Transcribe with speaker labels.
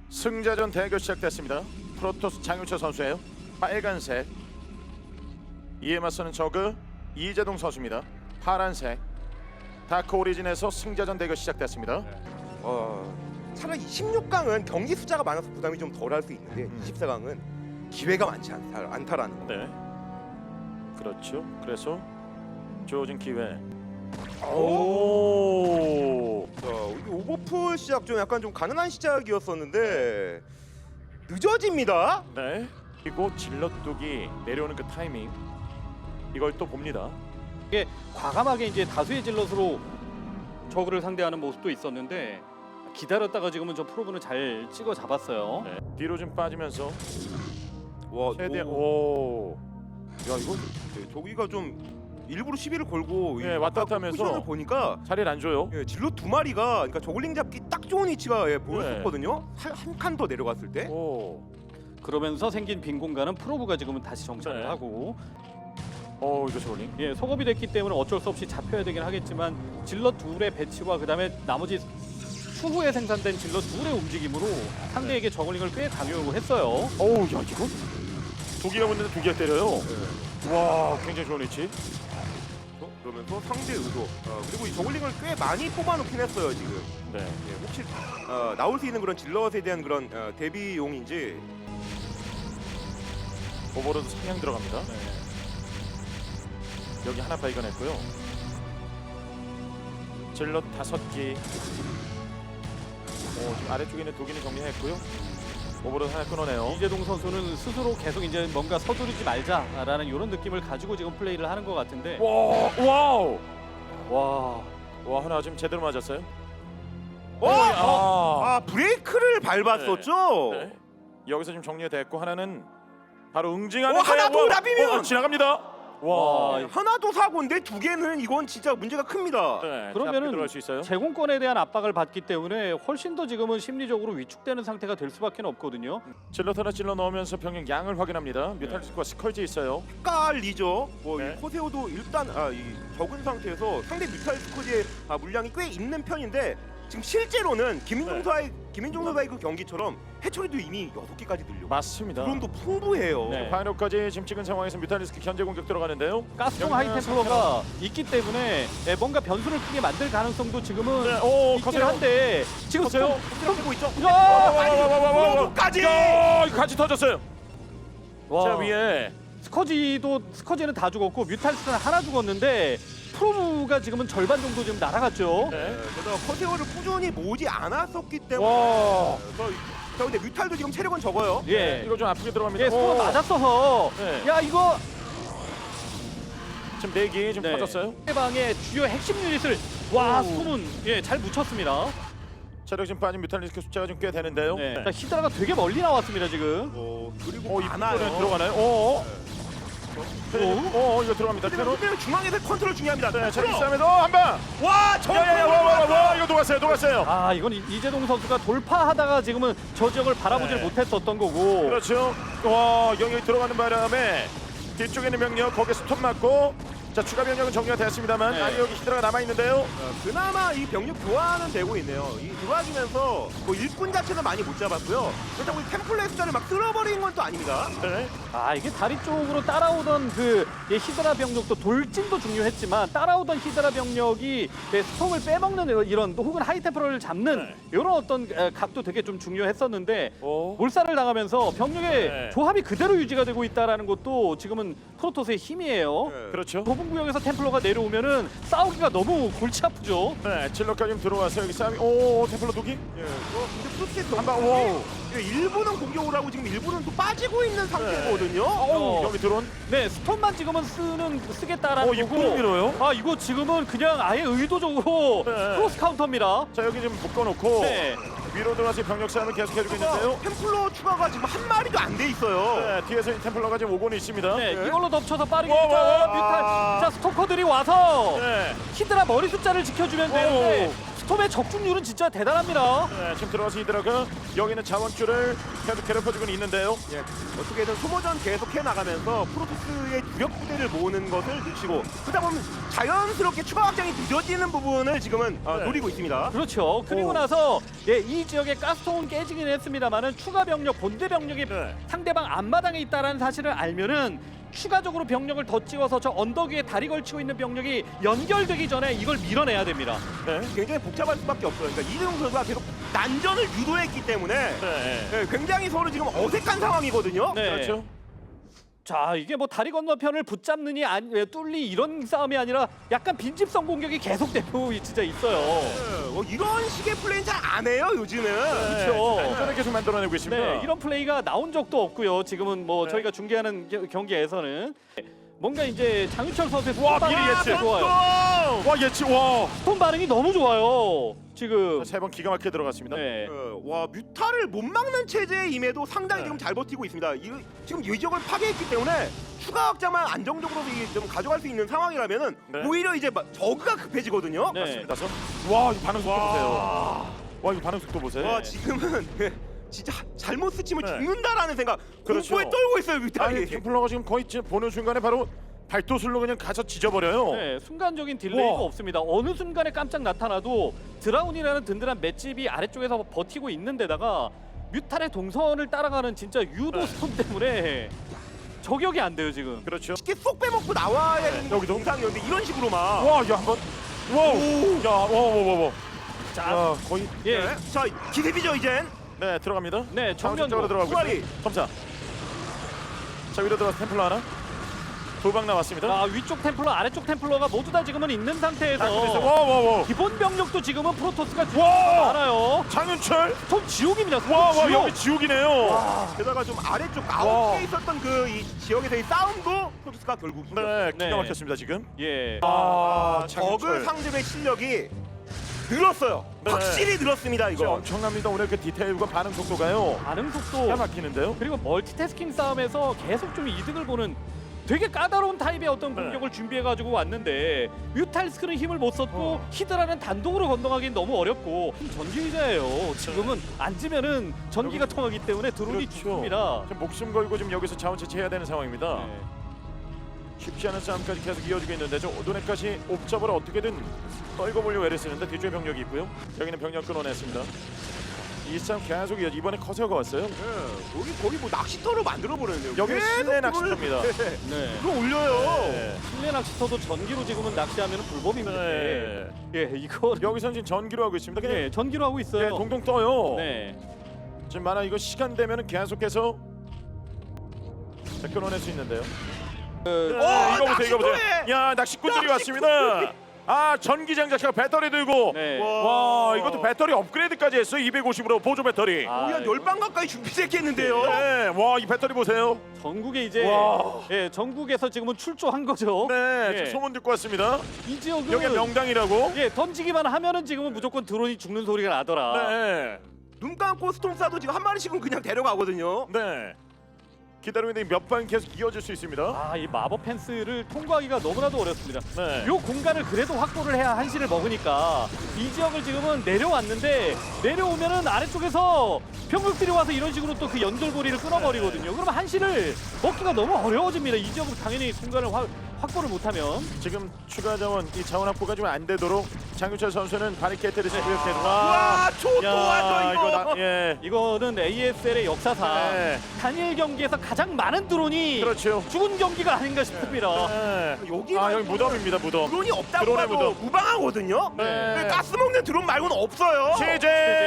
Speaker 1: 승자전 대결 시작됐습니다. 프로토스 장윤철 선수예요. 빨간색. 이에 맞서는 저그 이재동 선수입니다. 파란색. 다크 오리진에서 승자전 대결 시작됐습니다.
Speaker 2: 차라리 16강은 경기 숫자가 많아서 부담이 좀 덜할 수 있는데 24강은 기회가 많지 않다라는 거.
Speaker 1: 네. 그렇죠. 그래서 주어진 기회.
Speaker 2: 이 오버풀 시작 좀 약간 좀 가능한 시작이었었는데 늦어집니다.
Speaker 1: 네. 그리고 질럿뚝이 내려오는 그 타이밍. 이걸 또 봅니다.
Speaker 3: 이게 과감하게 이제 다수의 질럿으로 저그를 상대하는 모습도 있었는데 기다렸다가 지금은 저 프로브는 잘 찍어 잡았어요.
Speaker 1: 네. 뒤로 좀 빠지면서
Speaker 2: 와,
Speaker 1: 최대한
Speaker 2: 야 이거 저기가 좀 일부러 시비를 걸고
Speaker 1: 예, 왔다 갔다 하면서
Speaker 2: 포지션을 보니까
Speaker 1: 자리를 안 줘요.
Speaker 2: 질럿 두 마리가 그러니까 저글링 잡기 딱 좋은 위치가 보였었거든요. 한 칸 더 내려갔을 때.
Speaker 1: 오.
Speaker 3: 그러면서 생긴 빈 공간은 프로브가 지금은 다시 정찰을
Speaker 1: 네.
Speaker 3: 하고
Speaker 1: 이거 저글링.
Speaker 3: 예, 속업이 됐기 때문에 어쩔 수 없이 잡혀야 되긴 하겠지만 질럿 둘의 배치와 그다음에 나머지 추후에 생산된 질럿 둘의 움직임으로 상대에게 저글링을 꽤 강요했어요.
Speaker 1: 어우, 야 이거 두 개가 붙는데 두 개가 때려요. 와, 굉장히 좋은 위치.
Speaker 2: 그러면서 상대 의도 그리고 이 저글링을 꽤 많이 뽑아놓긴 했어요 지금.
Speaker 1: 네.
Speaker 2: 예, 혹시 나올 수 있는 그런 질럿에 대한 그런 대비용인지.
Speaker 1: 오버로드 상향 들어갑니다.
Speaker 3: 네.
Speaker 1: 여기 하나 발견했고요. 질럿 5기. 지금 아래쪽에 있는 독인을 정리했고요. 오버로드 하나 끊어내요.
Speaker 3: 이재동 선수는 스스로 계속 이제 뭔가 서두르지 말자라는 이런 느낌을 가지고 지금 플레이를 하는 것 같은데
Speaker 1: 와우.
Speaker 3: 와
Speaker 1: 하나 지금 제대로 맞았어요.
Speaker 2: 브레이크를 밟았었죠.
Speaker 1: 네. 여기서 지금 정리가 됐고 하나는 바로 응징하는.
Speaker 2: 하나 더 나비면!
Speaker 1: 지나갑니다. 와.
Speaker 2: 하나도 사고인데 두 개는 이건 진짜 문제가 큽니다.
Speaker 1: 네.
Speaker 3: 그러면은
Speaker 1: 들어갈 수 있어요.
Speaker 3: 제공권에 대한 압박을 받기 때문에 훨씬 더 지금은 심리적으로 위축되는 상태가 될 수밖에 없거든요.
Speaker 1: 질럿 하나 찔러 넣으면서 병력 양을 확인합니다. 뮤탈리스크와 스컬지 있어요.
Speaker 2: 헷갈리죠.
Speaker 1: 네.
Speaker 2: 이 코세오도 일단 이 적은 상태에서 상대 뮤탈 스쿼드의 물량이 꽤 있는 편인데 지금 실제로는 김민종 선수와의 그 경기처럼 해처리도 이미 6개까지 늘려.
Speaker 1: 맞습니다.
Speaker 2: 드론도 풍부해요.
Speaker 3: 네.
Speaker 1: 파이널까지 지금 찍은 상황에서 뮤탈리스크 견제 공격 들어가는데요.
Speaker 3: 가스통
Speaker 1: 여기는
Speaker 3: 하이템플러가 있기 때문에 뭔가 변수를 크게 만들 가능성도 지금은
Speaker 1: 네,
Speaker 3: 있긴
Speaker 1: 커세요.
Speaker 3: 한데 지금
Speaker 1: 커세요.
Speaker 2: 되고 있죠.
Speaker 1: 와와와와와와와까지. 같이 터졌어요.
Speaker 3: 와,
Speaker 1: 자 위에
Speaker 3: 스커지는 다 죽었고 뮤탈리스크는 하나 죽었는데 프로브가 지금은 절반 정도 지금 날아갔죠.
Speaker 1: 네.
Speaker 2: 게다가 커세오를 꾸준히 모으지 않았었기 때문에.
Speaker 1: 와.
Speaker 2: 자 근데 뮤탈도 지금 체력은 적어요.
Speaker 3: 예.
Speaker 1: 이거 좀 아프게 들어갑니다.
Speaker 3: 예, 스코어 맞았어서
Speaker 1: 네.
Speaker 3: 야 이거
Speaker 1: 지금 4기 지금 터졌어요.
Speaker 3: 상대방의 주요 핵심 유닛을 숨은 잘 묻혔습니다.
Speaker 1: 체력 지금 빠진 뮤탈리스크 숫자가 좀 꽤 되는데요.
Speaker 3: 네. 자, 히드라가 되게 멀리 나왔습니다 지금.
Speaker 2: 그리고
Speaker 1: 이
Speaker 2: 많아요.
Speaker 1: 부분에 들어가나요? 이거 들어갑니다. 테러.
Speaker 2: 그러면 중앙에서 컨트롤 중요합니다.
Speaker 1: 네, 체력 싸움에서 한 방.
Speaker 2: 와,
Speaker 1: 와, 이거 녹았어요.
Speaker 3: 아 이건 이재동 선수가 돌파하다가 지금은 저 지역을 바라보질
Speaker 1: 네.
Speaker 3: 못했었던 거고.
Speaker 1: 그렇죠. 와, 영역이 들어가는 바람에 뒤쪽에 있는 병력 거기에 스톱 맞고 자 추가 병력은 정리가 됐습니다만
Speaker 3: 네.
Speaker 1: 아니 여기 히드라가 남아 있는데요.
Speaker 2: 그나마 이 병력 교환은 되고 있네요. 이 들어와주면서 뭐 일꾼 자체는 많이 못 잡았고요. 그렇다고 이 템플렛 숫자를 막 쓸어버리는 건 또 아닙니다.
Speaker 1: 네.
Speaker 3: 아 이게 다리 쪽으로 따라오던 그 히드라 병력도 돌진도 중요했지만 따라오던 히드라 병력이 스톰을 빼먹는 이런 혹은 하이템퍼를 잡는
Speaker 1: 네.
Speaker 3: 이런 어떤 각도 되게 좀 중요했었는데
Speaker 1: 오.
Speaker 3: 몰살을 당하면서 병력의
Speaker 1: 네.
Speaker 3: 조합이 그대로 유지가 되고 있다는 것도 지금은 프로토스의 힘이에요.
Speaker 1: 그렇죠.
Speaker 3: 좁은 구역에서 템플러가 내려오면은 싸우기가 너무 골치 아프죠.
Speaker 1: 네, 질럿까지 좀 들어와서 여기 싸움이. 오, 템플러 독이.
Speaker 2: 근데 프로토스
Speaker 1: 한 방. 오.
Speaker 2: 일부는 공격을 하고 지금 일부는 또 빠지고 있는 상태거든요.
Speaker 1: 여기 드론.
Speaker 3: 네, 스톰만 지금은 쓰겠다라는
Speaker 1: 이거
Speaker 3: 거고.
Speaker 1: 밀어요?
Speaker 3: 아, 이거 지금은 그냥 아예 의도적으로
Speaker 1: 네.
Speaker 3: 크로스 카운터입니다.
Speaker 1: 자 여기 지금 묶어놓고
Speaker 3: 네.
Speaker 1: 위로 들어가서 병력 싸움을 계속해주고 있는데요.
Speaker 2: 템플러 추가가 지금 한 마리도 안 돼 있어요.
Speaker 1: 네, 뒤에서 이 템플러가 지금 오고는 있습니다.
Speaker 3: 네,
Speaker 2: 네.
Speaker 3: 이걸로 덮쳐서 빠르게
Speaker 1: 와, 와, 와.
Speaker 3: 뮤탈. 자, 스토커들이 와서
Speaker 1: 네.
Speaker 3: 히드라 머리 숫자를 지켜주면 되는데 스톰의 적중률은 진짜 대단합니다.
Speaker 1: 네, 지금 들어가서 이들어가 여기는 자원줄을 계속 괴롭혀주고 있는데요.
Speaker 2: 예, 어떻게든 소모전 계속 해나가면서 프로토스의 주력 부대를 모으는 것을 늦추고 그러다 보면 자연스럽게 추가 확장이 늦어지는 부분을 지금은
Speaker 1: 네.
Speaker 2: 노리고 있습니다.
Speaker 3: 그렇죠. 그리고
Speaker 1: 오.
Speaker 3: 나서 이 지역에 가스통은 깨지긴 했습니다만은 추가 병력, 본대 병력이
Speaker 1: 네.
Speaker 3: 상대방 앞마당에 있다라는 사실을 알면은 추가적으로 병력을 더 찍어서 저 언덕 위에 다리 걸치고 있는 병력이 연결되기 전에 이걸 밀어내야 됩니다.
Speaker 1: 네.
Speaker 2: 굉장히 복잡할 수밖에 없어요. 그러니까 이대용 선수가 계속 난전을 유도했기 때문에
Speaker 1: 네.
Speaker 2: 예, 굉장히 서로 지금 어색한 상황이거든요.
Speaker 3: 네.
Speaker 1: 그렇죠.
Speaker 3: 자, 이게 뭐 다리 건너편을 붙잡느니 뚫리 이런 싸움이 아니라 약간 빈집성 공격이 계속되고 진짜 있어요.
Speaker 2: 예, 뭐 이런 식의 플레이는 잘 안 해요 요즘은.
Speaker 3: 그렇죠.
Speaker 1: 안전을 계속 만들어내고 있습니다.
Speaker 3: 네, 이런 플레이가 나온 적도 없고요. 지금은 뭐
Speaker 1: 네.
Speaker 3: 저희가 중계하는 경기에서는 뭔가 이제 장윤철 선수의
Speaker 1: 와,
Speaker 3: 스톤
Speaker 1: 미리
Speaker 3: 반응이
Speaker 1: 예측.
Speaker 3: 좋아요.
Speaker 1: 와 예측 와.
Speaker 3: 스톤 반응이 너무 좋아요. 지금.
Speaker 1: 세 번 기가 막히게 들어갔습니다.
Speaker 3: 네.
Speaker 2: 와 뮤타를 못 막는 체제임에도 상당히
Speaker 1: 네.
Speaker 2: 지금 잘 버티고 있습니다. 지금 이 지역을 파괴했기 때문에 추가 확장만 안정적으로 좀 가져갈 수 있는 상황이라면은
Speaker 1: 네.
Speaker 2: 오히려 이제 저그가 급해지거든요.
Speaker 3: 네.
Speaker 1: 맞습니다. 와 이거 반응 속도 보세요. 와 이거 반응 속도 보세요.
Speaker 2: 와 지금은 진짜 잘못 스치면
Speaker 1: 네.
Speaker 2: 죽는다라는 생각
Speaker 1: 그렇죠.
Speaker 2: 공포에 떨고 있어요
Speaker 1: 아니
Speaker 2: 뮤타이.
Speaker 1: 템플러가 지금 거의 지금 보는 순간에 바로 발도술로 그냥 가서 지져버려요.
Speaker 3: 네, 순간적인 딜레이가
Speaker 1: 우와.
Speaker 3: 없습니다. 어느 순간에 깜짝 나타나도 드라운이라는 든든한 맷집이 아래쪽에서 버티고 있는 데다가 뮤탈의 동선을 따라가는 진짜 유도
Speaker 1: 네.
Speaker 3: 스톤 때문에 저격이 안 돼요 지금.
Speaker 1: 그렇죠.
Speaker 2: 쉽게 쏙 빼먹고 나와야 되는
Speaker 1: 여기도?
Speaker 2: 정상이었는데 이런 식으로만.
Speaker 1: 와, 야 한번. 와우. 야, 와.
Speaker 3: 자,
Speaker 1: 야, 거의
Speaker 3: 예,
Speaker 2: 네. 자 기습이죠 이젠.
Speaker 1: 네 들어갑니다.
Speaker 3: 네, 정면
Speaker 1: 쪽으로 들어가고
Speaker 2: 후라이.
Speaker 1: 있어요. 점사. 자 위로 들어가서 템플러 하나. 두 방 나왔습니다.
Speaker 3: 아, 위쪽 템플러, 아래쪽 템플러가 모두 다 지금은 있는 상태에서
Speaker 1: 와.
Speaker 3: 기본 병력도 지금은 프로토스가
Speaker 1: 와!
Speaker 3: 많아요.
Speaker 1: 장윤철.
Speaker 3: 전 지옥입니다.
Speaker 1: 와,
Speaker 3: 지옥.
Speaker 1: 여기 지옥이네요.
Speaker 2: 게다가 좀 아래쪽
Speaker 1: 와.
Speaker 2: 아웃에 있었던 그 이 지역에서의 싸움도 프로토스가 결국 이겼어요.
Speaker 1: 네, 기가
Speaker 3: 네.
Speaker 1: 막혔습니다 지금.
Speaker 3: 예.
Speaker 2: 저그
Speaker 1: 장윤철.
Speaker 2: 상대의 실력이 늘었어요.
Speaker 1: 네.
Speaker 2: 확실히 늘었습니다
Speaker 1: 진짜
Speaker 2: 이거.
Speaker 1: 엄청납니다. 오늘 그 디테일과 반응 속도가요.
Speaker 3: 반응
Speaker 1: 기가
Speaker 3: 속도
Speaker 1: 막히는데요.
Speaker 3: 그리고 멀티태스킹 싸움에서 계속 좀 이득을 보는 되게 까다로운 타입의 어떤
Speaker 1: 네.
Speaker 3: 공격을 준비해가지고 왔는데 뮤탈스크는 힘을 못 썼고 히드라는 단독으로 건너가기는 너무 어렵고 전기의자예요. 지금은 앉으면은 전기가 통하기 때문에 드론이
Speaker 1: 그렇죠.
Speaker 3: 죽습니다.
Speaker 1: 지금 목숨 걸고 지금 여기서 자원 채취해야 되는 상황입니다.
Speaker 3: 네.
Speaker 1: 쉽지 않은 싸움까지 계속 이어지고 있는데 저 오도네까지 옵잡으로 어떻게든 떨고 보려고 애를 쓰는데 뒤쪽에 병력이 있고요. 여기는 병력 끊어냈습니다. 이 싸움 계속 이어지 이번에 커세어가 왔어요.
Speaker 2: 네. 거기 뭐 낚시터로 만들어 버렸네요.
Speaker 1: 여기
Speaker 2: 계속
Speaker 1: 실내
Speaker 2: 그걸-
Speaker 1: 낚시터입니다.
Speaker 3: 네.
Speaker 2: 그거 올려요.
Speaker 1: 네.
Speaker 3: 실내 낚시터도 전기로 지금은 낚시하면 불법입니다.
Speaker 1: 네.
Speaker 3: 예, 이거
Speaker 1: 여기선 지금 전기로 하고 있습니다. 그냥
Speaker 3: 예, 전기로 하고
Speaker 1: 예,
Speaker 3: 있어요.
Speaker 1: 동동 떠요.
Speaker 3: 네.
Speaker 1: 지금 만화 이거 시간 되면은 계속해서 자, 끊어낼 수 있는데요. 이거 보세요, 이거 보세요.
Speaker 2: 낚시터에!
Speaker 1: 야 낚시꾼들이 왔습니다. 아 전기 장착하고 배터리 들고.
Speaker 3: 네.
Speaker 1: 와 이것도 배터리 업그레이드까지 했어요. 250으로 보조 배터리.
Speaker 3: 아,
Speaker 2: 거의 한 10방 가까이 준비됐겠는데요.
Speaker 1: 네, 와 이 배터리 보세요.
Speaker 3: 전국에 이제
Speaker 1: 와.
Speaker 3: 예, 전국에서 지금은 출조한 거죠.
Speaker 1: 네,
Speaker 3: 예.
Speaker 1: 지금 소문 듣고 왔습니다.
Speaker 3: 이 지역은
Speaker 1: 여기 명당이라고.
Speaker 3: 예, 던지기만 하면은 지금은 무조건 드론이 죽는 소리가 나더라.
Speaker 1: 네,
Speaker 2: 눈 감고 스톰 쏴도 지금 한 마리씩은 그냥 데려가거든요.
Speaker 1: 네. 기다리고 있는데 몇 방 계속 이어질 수 있습니다.
Speaker 3: 아, 이 마법 펜스를 통과하기가 너무나도 어렵습니다.
Speaker 1: 네.
Speaker 3: 요 공간을 그래도 확보를 해야 한시를 먹으니까 이 지역을 지금은 내려왔는데 내려오면은 아래쪽에서 병력들이 와서 이런 식으로 또 그 연결고리를 끊어버리거든요. 그러면 한시를 먹기가 너무 어려워집니다. 이 지역은 당연히 공간을 확보를 못하면.
Speaker 1: 지금 추가 자원 이 자원 확보가 좀 안 되도록 장윤철 선수는 바리케이트를 이렇게
Speaker 2: 와, 초토화죠 이거.
Speaker 1: 예.
Speaker 3: 이거는 ASL의 역사상
Speaker 1: 네.
Speaker 3: 단일 경기에서 가장 많은 드론이
Speaker 1: 그렇죠.
Speaker 3: 죽은 경기가 아닌가 싶습니다.
Speaker 1: 네.
Speaker 2: 여기가
Speaker 1: 아 여기 무덤입니다 무덤.
Speaker 2: 드론이 없다고
Speaker 1: 드론의
Speaker 2: 해도
Speaker 1: 무덤.
Speaker 2: 무방하거든요.
Speaker 1: 네.
Speaker 2: 가스 먹는 드론 말고는 없어요.
Speaker 1: 제재